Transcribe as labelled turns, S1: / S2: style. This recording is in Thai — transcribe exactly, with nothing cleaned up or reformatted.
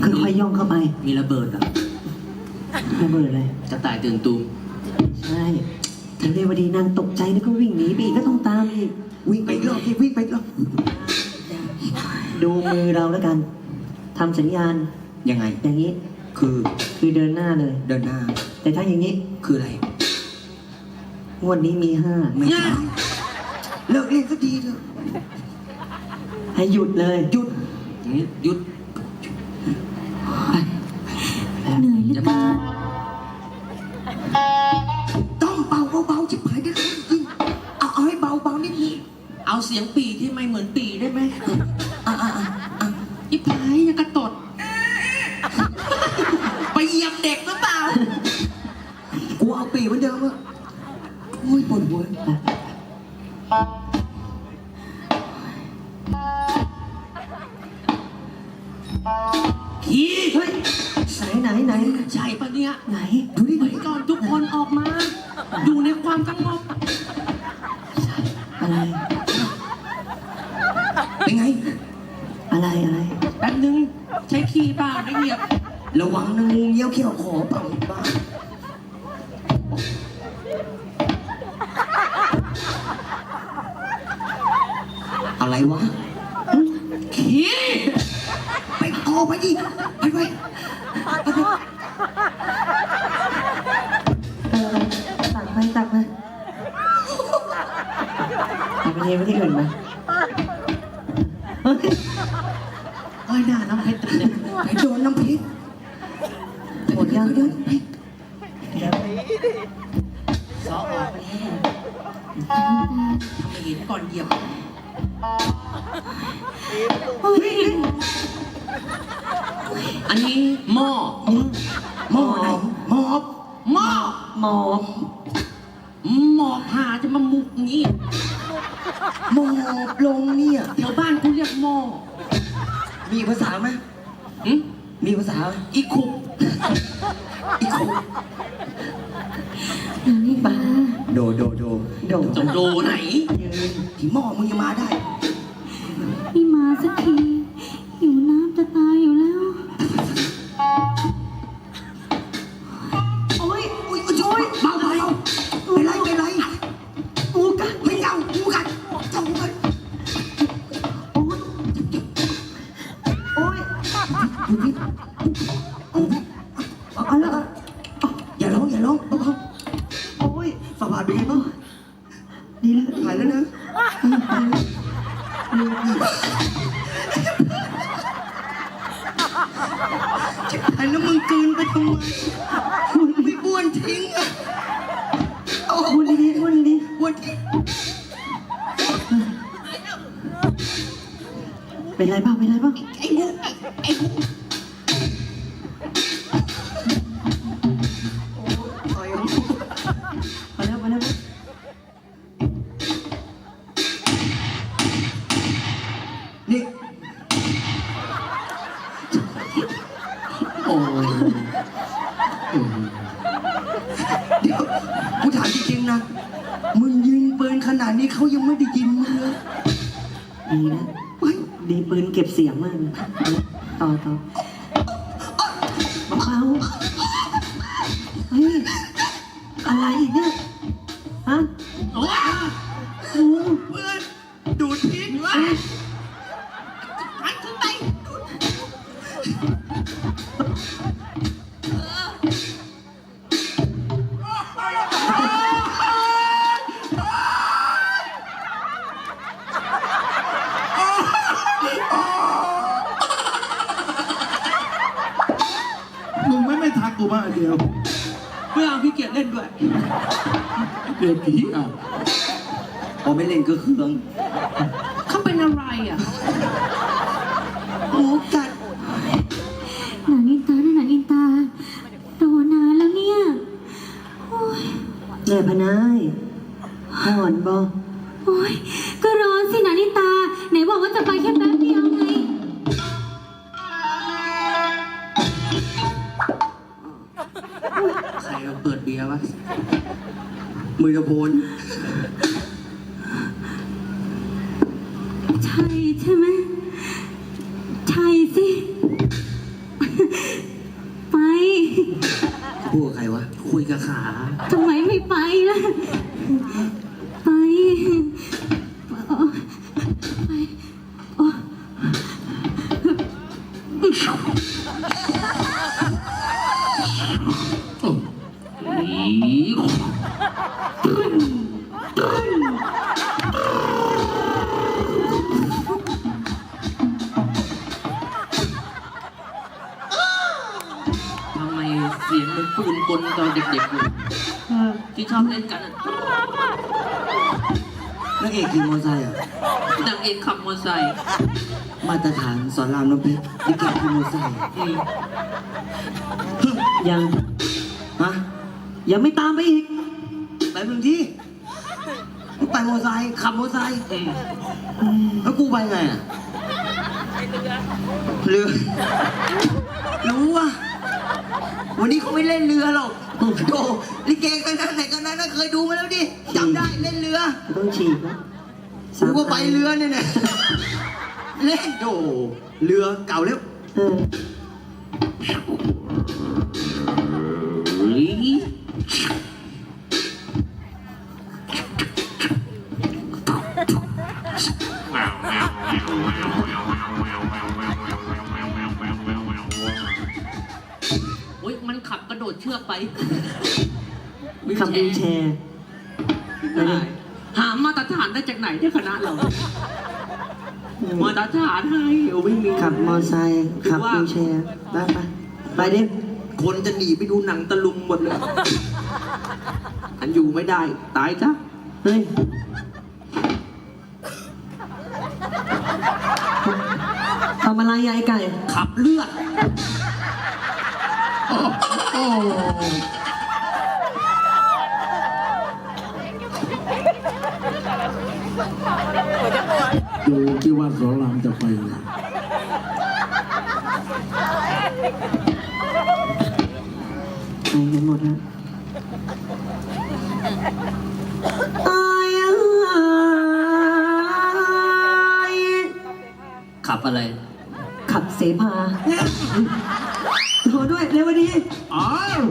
S1: ค่อยๆย่องเข้าไป
S2: มีระเบิดเหรอ
S1: ระเบิดเลย
S2: กระต่ายตื่นตูม
S1: ใช่ทางเรวดีนางตกใจแล้วก็วิ่งหนีไปอีกก็ต้องตามอีก
S3: วิ่งไปอีกรอบที่วิ่งไปอีกรอบ
S1: ดูมือเราแล้วกันทำสัญญาณ
S3: ยังไง
S1: อย่างนี้
S3: คือ
S1: คือเดินหน้าเลย
S3: เดินหน้า
S1: แต่ถ้าอย่างนี้
S3: คืออะไร
S1: งวดนี้มีห้า
S3: ไม่ใช่เลิกเล่นก็ดีเถอะ
S1: ให้หยุดเลย
S3: หยุด
S2: อย่างนี้หยุด
S4: เหนื่อยเหลือเกิน
S3: ต้องเบาเบาๆจิบหายได้เลยจริงเอาเอาให้เบาเบาๆนิดนึง
S2: เอาเสียงปีที่ไม่เหมือนปีได้ไหม
S3: อ่ะอ่ะอ่ะอ่ะ
S2: ยิบหายยังกระตด ไปเหยียบเด็กหรือเปล่า
S3: กูเอาปีเหมือนเดิมอะโอ้ยปวดหัว
S2: ขี้
S1: เฮ้ยไหนไหนไหน
S2: ใช่ปะเนี่ย
S1: ไหน
S3: ดูดิ
S2: ไปก่อนทุกคนออกมา อยู่ในความสงบ
S1: อะไร
S3: เป็นไง
S1: อะไรอะไร
S2: แป๊บนึงใช้ขี้เปล่าไม่เหยียบ
S3: ระวังนะงูเงี้ยวเขี้ยวขอเปล่าบ้าอะไรวะ
S2: ขี้
S3: ไปออกไปดิไปไปไปไป
S1: เออตักไปตักไปตักไปเทไปที่อื่นไปเฮ้ย
S2: เฮ้ยหน้าน้ำเพชรจังเลย
S3: ไปโดนน้ำพริก
S1: หมดยัง
S3: เดินไป
S1: เดี๋ยว
S2: ซอออกไปให้ทำไมเห็นก่อนเหยียบ
S4: โอ้ย
S2: อันนี้หม้อ
S3: หม้อไหนหม้อ
S2: หม้อ
S1: หมอบ
S2: หมอบหาจะมามุกงี้
S3: หม้อบลงเนี่ย
S2: แถวบ้านกูเรียกหม้อ
S3: มีภาษาไหม
S2: หึ
S3: มีภาษาไหม
S2: อีคุก
S3: อีกคน
S4: หนังนี่บ้า
S3: โดโดโด
S1: โดด
S2: จะโดไหน
S1: ยืน
S3: ที่หม้อมึงยังมาได้
S4: ไม่มาสักทีหิวน้ำจะตายอยู่แล้ว
S3: โอ้ยโอ้ยโอ้ยเบาเบาเป็นไรเป็นไรงูกัดไม่เอางูกัดเจ้างูกัด
S1: โอ๊ยโอ๊ย
S3: ดูพี่เอา
S1: เอาละ
S3: อย่าร้องอย่าร้องเบา
S1: โอ๊ย
S3: ๆฝ่าบาทเป็นไงบ้าง
S1: ดีแล้ว
S3: หายแล้วนะหายแล้วมึงกลืนไปทำไมไม่บ้วนทิ้งอ่ะเอา
S1: พูดดีๆพูดดี
S3: บ้วนทิ้ง
S1: ๆเป็นไรบ้างเป็นไรบ้าง
S3: ไอ้งูไอ้งูต่อยเอา
S1: พอแล้วพอแล้ว
S3: นี่
S2: โอ้ย
S3: เดี๋ยวกูถามจริงๆนะ มึงยิงปืนขนาดนี้เขายังไม่ได้ยินมึงเลย
S1: ดีนะ
S3: เฮ้ย
S1: ดีปืนเก็บเสียงมากเลยต่อต่อเบาๆเฮ้ยอะไรอีกเนี่ยฮะ
S2: โอ้ย
S1: โอ้
S2: เพื่อนดูดพิษวะหันขึ้นไปดูด
S5: มึงไม่ไม่ทักกูบ้างอันเดียว
S2: เพื่อเอาพี่เกียรติเล่นด้วย
S5: เดี๋ยวผีอ่ะ
S3: พอไม่เล่นก็เครื่อง
S2: เขาเป็นอะไรอ่ะ
S3: หมูกัด
S4: หนังอินตาหนังอินตาโดนนานแล้วเนี่ยโอ้ย
S1: แม่พนายห่อนบอ
S4: โอ้ยก็ร้อนสิหนังอินตา ไหนบอกว่าจะไปแค่แป๊บเดียวไง
S2: ใครเอาเปิดเบียร์วะ
S3: มือตะโพน
S4: ใช่ใช่ไหมใช่สิ
S3: พูดกับใครวะ
S2: คุยกับขา
S4: ทำไมไม่ไปล่ะ ไปเออไปโอ้
S5: โอ้
S2: ทำไมเสียงเหมันปืนกลตอนเด็กๆเลยที่ชอบเล่นกันอะ
S3: นักเอกขี่มอเตอร์ไซค์เหรอ่ะ
S2: นางเอกขับมอเตอร์ไซค์
S3: มาตรฐานสอนรามน้ำเพชรลิเกขี่มอเตอร์ไซค์
S2: อืม
S3: ยังฮะยังไม่ตามไปอีกไปเมืองที่ไปมอเตอร์ไซค์ขับมอเตอร์ไซค์
S2: อืม
S3: แล้วกูไปไงอ่ะเรือรู้ว่าวันนี้เขาไม่เล่นเรือหรอกโอ้โหลิเกกันนั้นไหนกันนั้นนะเคยดูมาแล้วดิจำได้เล่นเรือต้องฉีกนะกูก็ไปเรือเนี่ยเนี่ยเล่นโอ้เรือเก่าแล้วเออ
S2: เฮ้ย โอ๊ยมันขับกระโดดเชือกไป
S3: ขับวีลแชร์
S2: หามาตรฐานได้จากไหนที่คณะเรา มาตรฐานให้โอ้ไม่มี
S3: ขับมอไซค์ขับวีลแชร์ไปไปไปดิ
S2: คนจะหนีไปดูหนังตะลุงหมดเลย อันอยู่ไม่ได้ ตายจ้ะ
S3: เฮ้ยทำอะไรยายไก่
S2: ขับเลือด
S5: โอ้โอ้ดูที่ว่าสอนรามจะไปไหน
S3: ไปกันหมดแล้วอายอาย
S2: ขับอะไร
S3: ขับเสพาโทรด้วยเร็วดี
S5: อ้าว